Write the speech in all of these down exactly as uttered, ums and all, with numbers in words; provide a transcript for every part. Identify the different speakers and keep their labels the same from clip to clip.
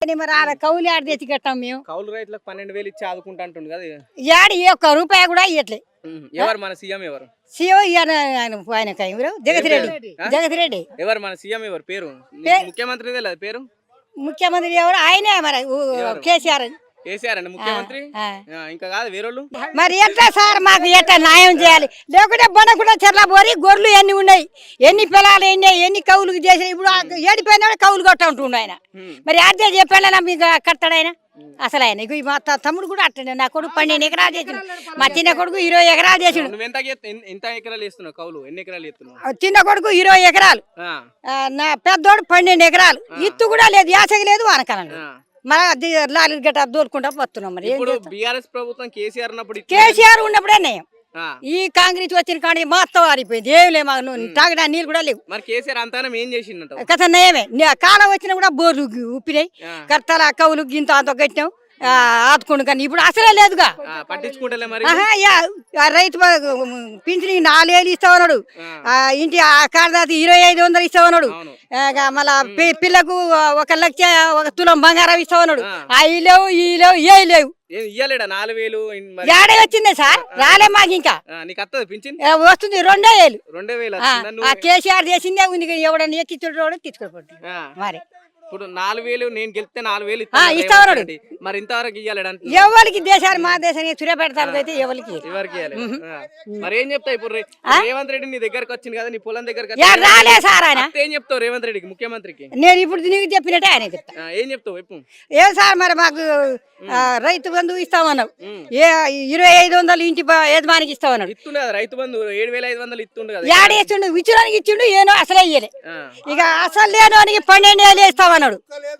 Speaker 1: కానీ మరి ఆడ కౌలు ఆడ తెచ్చి కట్టాం మేము.
Speaker 2: కౌలు రైతులకు పన్నెండు వేలు ఇచ్చి ఆదుకుంటా అంటుంది కదా.
Speaker 1: ఏడు ఏ ఒక్క రూపాయి కూడా ఇవ్వట్లే.
Speaker 2: ఎవరు మన సీఎం ఎవరు?
Speaker 1: సీఎం ఆయన ఆయన ఎవరు? జగత్ రెడ్డి. జగత్ రెడ్డి
Speaker 2: ఎవరు మన సీఎం ఎవరు? పేరు ముఖ్యమంత్రి తెలియదు పేరు.
Speaker 1: ముఖ్యమంత్రి ఎవరు? ఆయనే మరి కేసీఆర్.
Speaker 2: కేసీఆర్ అండి ముఖ్యమంత్రి. ఇంకా కాదు వేరేళ్ళు.
Speaker 1: మరి ఎట్లా సార్ మాకు ఎట్లా న్యాయం చేయాలి? లేకుంటే బొనకుండా చెర్ల పోరి గొర్రెలు ఎన్ని ఉన్నాయి, ఎన్ని పిల్లలు ఎన్ని ఎన్ని కౌలుకు చేసిన ఇప్పుడు ఏడిపోయినా కౌలు కొట్ట ఉంటుండు ఆయన. మరి అదే చెప్పాడన్నా మీకు కడతాడు ఆయన అసలు. ఆయన ఇక మా తమ్ముడు కూడా అట్టండి. నా కొడుకు పన్నెండు ఎకరాలు చేసిండు, మా చిన్న కొడుకు ఇరవై ఎకరాలు చేసిండు.
Speaker 2: ఎంత ఎకరాలు చేస్తున్నావు కౌలు? ఎన్ని ఎకరాలు చేస్తున్నావు?
Speaker 1: చిన్న కొడుకు ఇరవై ఎకరాలు, నా పెద్దోడు పన్నెండు ఎకరాలు. ఇత్తు కూడా లేదు, యాసకి లేదు, వానకాలం లేదు. మన లారీ గట్ట దోలుకుంటా వస్తున్నాం. మరి
Speaker 2: బీఆర్ఎస్ ప్రభుత్వం కేసీఆర్ ఉన్నప్పుడు
Speaker 1: కేసీఆర్ ఉన్నప్పుడే నయం. ఈ కాంగ్రెస్ వచ్చిన కానీ మొత్తం ఆరిపోయింది. ఏం లేవు, మాకు తాగడా నీళ్ళు కూడా లేవు.
Speaker 2: మరి కేసీఆర్ అంతా ఏం చేసిండ
Speaker 1: కథ నయమే. కాలం వచ్చినా కూడా బోర్లు ఉప్పినాయి, కర్తల కవులు గింత అంత కట్టినాం, ఆదుకోండు. కానీ ఇప్పుడు అసలే లేదుగా,
Speaker 2: పట్టించుకుంటలే.
Speaker 1: రైతు పింఛన్ నాలుగు వేలు ఇస్తామన్నాడు, ఇంటి కార్దాతి ఇరవై ఐదు వందలు ఇస్తామన్నాడు, మళ్ళా పిల్లకు ఒక లక్ష ఒక తులం బంగారం ఇస్తామన్నాడు. అవి లేవు, ఈ లేవు, ఏ లేవు.
Speaker 2: నాలుగు వేలు
Speaker 1: ఏడే వచ్చింది సార్, రాలే మాకు. ఇంకా వస్తుంది రెండో వేలు.
Speaker 2: రెండో వేలు
Speaker 1: ఆ కేసీఆర్ చేసిందే ఉంది. ఎవడన్నా ఎక్కించుడు తీసుకోబట్టి మరి
Speaker 2: ఇప్పుడు నాలుగు వేలు నేను గెలిస్తే నాలుగు వేలు
Speaker 1: ఇస్తామన్నాడు.
Speaker 2: మరి ఇంతవరకు ఇవ్వాలంటే
Speaker 1: ఎవరికి దేశాలు మా దేశానికి సూర్యాపేట అయితే ఎవరికి
Speaker 2: ఎవరికి మరి ఏం చెప్తావు? ఇప్పుడు రేవంత్ రెడ్డి నీ దగ్గరకు వచ్చింది కదా, నీ పొలం దగ్గర
Speaker 1: రాలే సార్. ఆయన
Speaker 2: ఏం చెప్తావు రేవంత్ రెడ్డికి ముఖ్యమంత్రికి?
Speaker 1: నేను ఇప్పుడు నీకు చెప్పినట్టే ఆయన చెప్తా.
Speaker 2: ఏం చెప్తావు? ఎప్పుడు
Speaker 1: ఏం సార్ మరి మాకు రైతు బంధు ఇస్తామన్నావు, ఏ ఇరవై ఐదు వందలు ఇంటి యజమానికి ఇస్తామన్నాడు.
Speaker 2: ఇస్తుండే రైతు బంధు ఏడు వేల ఐదు వందలు ఇస్తుండే కదా.
Speaker 1: ఏడు ఇచ్చిండు, ఇచ్చినోనికి ఇచ్చిండు, ఏనో అసలే ఇయ్యలే. ఇక అసలు లేనోనికి పన్నెండు వేలు ఇస్తామన్నాడు.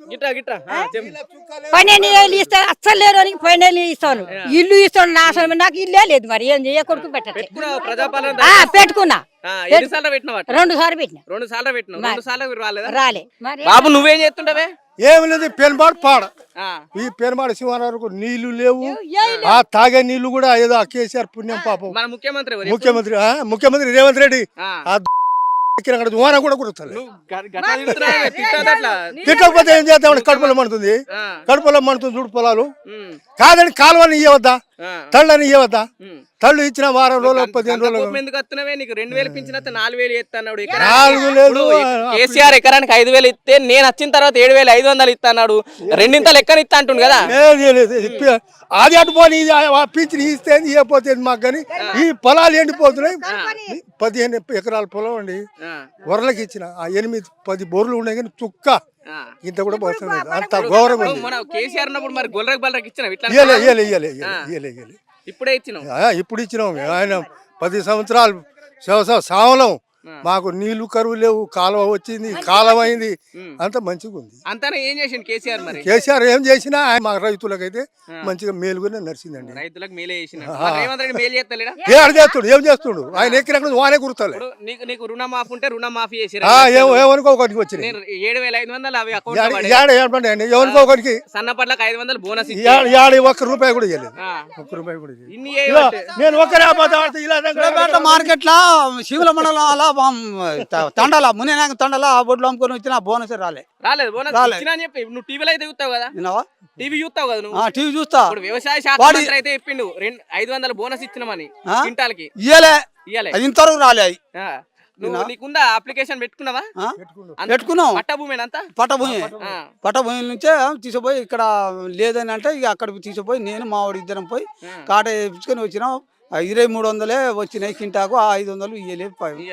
Speaker 1: పన్నెండు వేలు ఇస్తా అస్సలు లేనోనికి పన్నెండు వేలు ఇస్తాను. ఇల్లు ఇస్తాడు నా అసలు నాకు ఇల్లే లేదు. మరి ఏం చేయ కొడుకు పెట్టట్లేదు. పెట్టుకున్నా రెండు సార్లు పెట్టిన రెండు సార్లు పెట్టిన రాలే.
Speaker 2: బాబు నువ్వేం చేస్తుండవే?
Speaker 3: ఏమి లేదు, పెనుబాటు పాడ. ఈ పెనుబాటు శివానవరకు నీళ్లు లేవు, ఆ తాగే నీళ్లు కూడా ఏదో కేసీఆర్ పుణ్యం పాపం.
Speaker 2: ముఖ్యమంత్రి
Speaker 3: ముఖ్యమంత్రి ముఖ్యమంత్రి రేవంత్ రెడ్డి ఓన కూడా కుడుతుంది. తిట్టకపోతే ఏం చేద్దామని కడుపులో మండుతుంది, కడుపులో మండుతుంది. చూడు పొలాలు కాదని కాలువని ఇవ్వద్దా, తళ్ళని ఇవ్వద్దా? తళ్ళు ఇచ్చిన వారం రోజులు పదిహేను రోజులు
Speaker 2: రెండు వేలు పింఛన్ నాలుగు వేలు ఇస్తున్నాడు. కేసీఆర్ ఎకరానికి ఐదు వేలు ఇస్తే నేను వచ్చిన తర్వాత ఏడు వేలు ఐదు వందలు ఇస్తున్నాడు. రెండింత లెక్కన ఇస్తా అంటుండు కదా.
Speaker 3: అది అటుపోని పింఛన్ ఇస్తే ఇవ్వకపోతే మాకు. కానీ ఈ పొలాలు ఎండిపోతున్నాయి. పదిహేను ఎకరాల పొలం అండి వరలకి ఇచ్చిన. ఆ ఎనిమిది పది బోర్లు ఉన్నాయి కానీ చుక్క ఇంత కూడా పోతుంది. అంత గౌరవం
Speaker 2: ఇప్పుడే ఇచ్చినాం.
Speaker 3: ఇప్పుడు ఇచ్చినాం. ఆయన పది సంవత్సరాలు వ్యవసాయ సావలం. మాకు నీళ్లు కరువు లేవు, కాలువ వచ్చింది, కాలం అయింది, అంత మంచిగా ఉంది.
Speaker 2: అంతా ఏం చేసిండు కేసీఆర్? మరి
Speaker 3: కేసీఆర్ ఏం చేసినా మా రైతులకైతే మంచిగా మేలుగానే నడిచిందండి.
Speaker 2: రైతులకు మేలు చేస్తున్నాడు.
Speaker 3: ఏడు చేస్తుడు, ఏం చేస్తుడు? ఆయన ఎక్కినక్కడ వానే గుర్తాలి.
Speaker 2: నీకు రుణమాఫీ ఉంటే రుణమాఫీ చేసి
Speaker 3: ఎవరికో ఒకరికి వచ్చింది
Speaker 2: ఏడు వేల ఐదు వందలు అవి
Speaker 3: ఎవరికో ఒకరికి
Speaker 2: సన్నపట్లకు ఐదు వందలు బోనస్
Speaker 3: ఏడు ఒక్క రూపాయి కూడా ఇవ్వలేదు. ఒక్క రూపాయి కూడా నేను ఒక్కరే
Speaker 4: మార్కెట్ లో శివుల మండలం తండల మునేనాక తండల బొడ్లు అమ్ముకొని వచ్చిన బోనస్ రాలే
Speaker 2: రాలేదు బోనస్ చెప్పి. నువ్వు టీవీలో అయితే చూస్తావు కదా, టీవీ చూస్తావు కదా నువ్వు?
Speaker 4: టీవీ చూస్తా.
Speaker 2: వ్యవసాయ శాఖ మంత్రి అయితే చెప్పిండు రెండు ఐదు వందలు బోనస్ ఇచ్చినామని. క్వింటాల్కి
Speaker 4: ఇయ్యలే, ఇయ్యలే, ఇంతవరకు రాలే.
Speaker 2: అది నీకుందా అప్లికేషన్ పెట్టుకున్నావా?
Speaker 4: పెట్టుకున్నాం.
Speaker 2: పట్టభూమి అంతా
Speaker 4: పట్టభూమి పట్టభూమి నుంచే తీసుకుపోయి ఇక్కడ లేదని అంటే ఇక అక్కడికి తీసుకుపోయి నేను మా వాడు ఇద్దరం పోయి కాట వేయించుకొని వచ్చినాం. ఇరవై మూడు వందలే వచ్చినాయి కింటాకు, ఐదు వందలు ఇయ్యలేదు.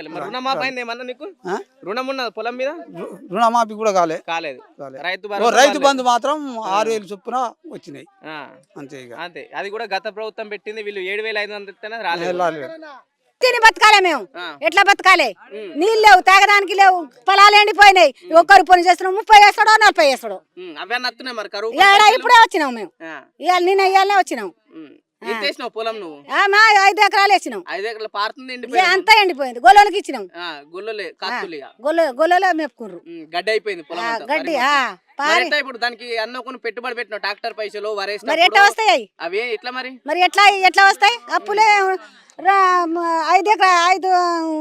Speaker 2: పొలం మీద
Speaker 4: రుణమాఫీ కూడా కాలే
Speaker 2: కాలేదు.
Speaker 4: రైతు బంధు మాత్రం ఆరు వేలు చొప్పున వచ్చినాయి అంతే. ఇక
Speaker 2: అంతే, అది కూడా గత ప్రభుత్వం పెట్టింది. వీళ్ళు ఏడు వేల ఐదు వందలు రాలేదు.
Speaker 1: తిని బతకాలే మేము. ఎట్లా బతకాలి? నీళ్ళు లేవు, తాగడానికి లేవు, పొలాలు ఎండిపోయినాయి. ఒక్కరు పని చేస్తున్నాం, ముప్పై వేస్తాడో నలభై వేస్తాడో. ఇప్పుడే వచ్చినాం మేము, ఇవాళ నిన్న ఇవాళనే వచ్చినాం.
Speaker 2: పొలం నువ్వు
Speaker 1: ఐదు ఎకరాలు వేసినాం.
Speaker 2: ఐదు ఎకరాలు పారుతుంది,
Speaker 1: అంతా ఎండిపోయింది. గొల్లలకి ఇచ్చినాం. గొల్లలో మెప్పుకున్నారు.
Speaker 2: గడ్డి అయిపోయింది
Speaker 1: గడ్డి.
Speaker 2: ఇప్పుడు దానికి అన్న కొన్ని పెట్టుబడి పెట్టిన ట్రాక్టర్ పైసలు వరేసి
Speaker 1: మరి ఎట్లా వస్తాయి
Speaker 2: అవి? ఎట్లా మరి మరి
Speaker 1: ఎట్లా ఎట్లా వస్తాయి? అప్పులే ఐదు ఎకరా ఐదు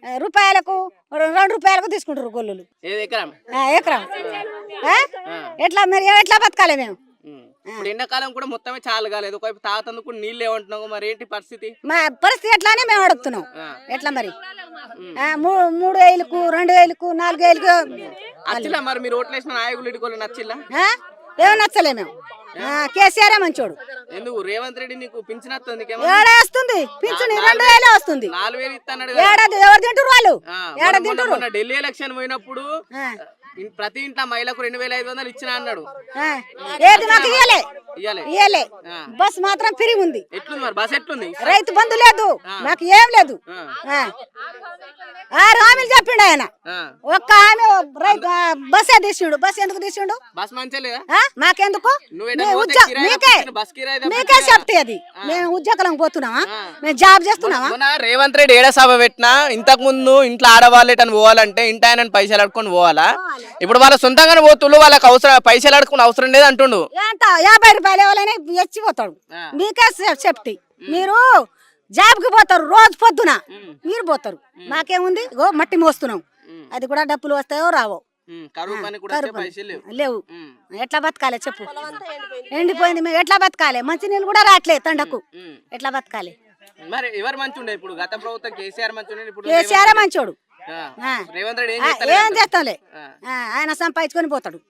Speaker 1: ఆ, రూపాయలకు రెండు రూపాయలకు తీసుకుంటారు గొల్లులు
Speaker 2: ఏది ఎకరం
Speaker 1: ఆ, ఎకరం ఆ? ఎట్లా మరి ఎట్లా బతకాలి మేము
Speaker 2: ఉమ్. ఇప్పుడు ఎండాకాలం కూడా మొత్తమే చాలు కాలేదు ఒకవైపు తాతందుకు నీళ్ళు ఏమంటున్నావు మరి ఏంటి పరిస్థితి
Speaker 1: మా పరిస్థితి ఎట్లానే మేము అడుగుతున్నాం ఎట్లా మరి ఆ, మూ- మూడు వేలకు రెండు వేలకు నాలుగు వేలకు
Speaker 2: అచ్చిలా మరి మీరు ఓట్లు వేసిన నాయకులు ఇటుకోలు నచ్చిల్లా
Speaker 1: ఆ? ఏమో నచ్చలే మేము ఆ, కేసీఆర్ మంచోడు
Speaker 2: ఎందుకు రేవంత్ రెడ్డి నీకు పింఛన్ వస్తుంది
Speaker 1: ఏడా వస్తుంది పింఛన్ రెండు వేలే వస్తుంది
Speaker 2: నాలుగు వేలు ఇస్తాడు
Speaker 1: ఏడాది ఎవరు తింటారు వాళ్ళు ఏడా తింటారు
Speaker 2: మొన్న ఢిల్లీ ఎలక్షన్ పోయినప్పుడు
Speaker 1: ఆ.
Speaker 2: ఇన్- ప్రతి ఇంట్లో మహిళకు రెండు వేల ఐదు వందలు ఇచ్చిన అన్నాడు
Speaker 1: ఆ. ఏది మాకు ఇయ్యలే
Speaker 2: ఇయ్యాలి
Speaker 1: ఇయ్యలే బస్ మాత్రం ఫ్రీ ఉంది
Speaker 2: ఎట్లుంది మరి బస్ ఎట్లుంది
Speaker 1: రైతు బంధు లేదు మాకు ఏం లేదు ఆ. ఆరు హామీలు చెప్పిండు ఆయన
Speaker 2: ఆ.
Speaker 1: ఒక్క హామీ రైతు ఆ, బస్సే తీసిండు బస్ ఎందుకు తీసిండు
Speaker 2: బస్ మంచిగా లేదా
Speaker 1: ఆ? మాకెందుకు
Speaker 2: నువ్వు
Speaker 1: మీ
Speaker 2: ఎటైనా పోతే
Speaker 1: ఉద్యోగ
Speaker 2: కిరాయి
Speaker 1: మీకే
Speaker 2: తప్పించిన బస్ కిరాయి తప్పించిన
Speaker 1: మీకే సేఫ్టీ అది మేము ఉద్యోగం పోతున్నామా మేము జాబ్ చేస్తున్నామా
Speaker 2: మొన్న రేవంత్ రెడ్డి ఏడ సభ పెట్టినా ఇంతకు ముందు ఇంట్లో ఆడవాళ్ళు ఎటని పోవాలంటే ఇంటి ఆయన పైసలు అడుకొని పోవాలా ఇప్పుడు వాళ్ళ సొంతంగానే పోతుళ్ళు వాళ్ళకి అవసరం పైసలు అడుకుని అవసరం లేదు అంటుండు
Speaker 1: ఎంత యాభై రూపాయలు ఎవరైనా ఎచ్చిపోతాడు మీకే సే- సేఫ్టీ మీరు జాబ్కి పోతారు రోజు పొద్దున మీరు పోతారు మాకేముంది ఇగో మట్టి మోస్తున్నాం అది కూడా డబ్బులు వస్తాయో రావో
Speaker 2: ఉమ్, కరువు పని కూడా వచ్చే పైసలు లేవు
Speaker 1: లేవు
Speaker 2: ఉమ్,
Speaker 1: ఎట్లా బతకాలి చెప్పు ఎండిపోయింది మేము ఎట్లా బతకాలి మంచి నీళ్ళు కూడా రావట్లేదు తండకు
Speaker 2: ఉమ్.
Speaker 1: ఎట్లా బతకాలి
Speaker 2: మరి ఎవరు మంచి ఉండే ఇప్పుడు గత ప్రభుత్వం కేసీఆర్ మంచి ఉండే ఇప్పుడు
Speaker 1: కేసీఆర్ మంచోడు
Speaker 2: ఆ,
Speaker 1: ఆ.
Speaker 2: రేవంత్ రెడ్డి ఏం
Speaker 1: ఆ,
Speaker 2: చేస్తలేడు
Speaker 1: ఏం
Speaker 2: అంట.
Speaker 1: చేస్తాంలే
Speaker 2: ఆ.
Speaker 1: ఆ, ఆయన సంపాదించుకొని పోతాడు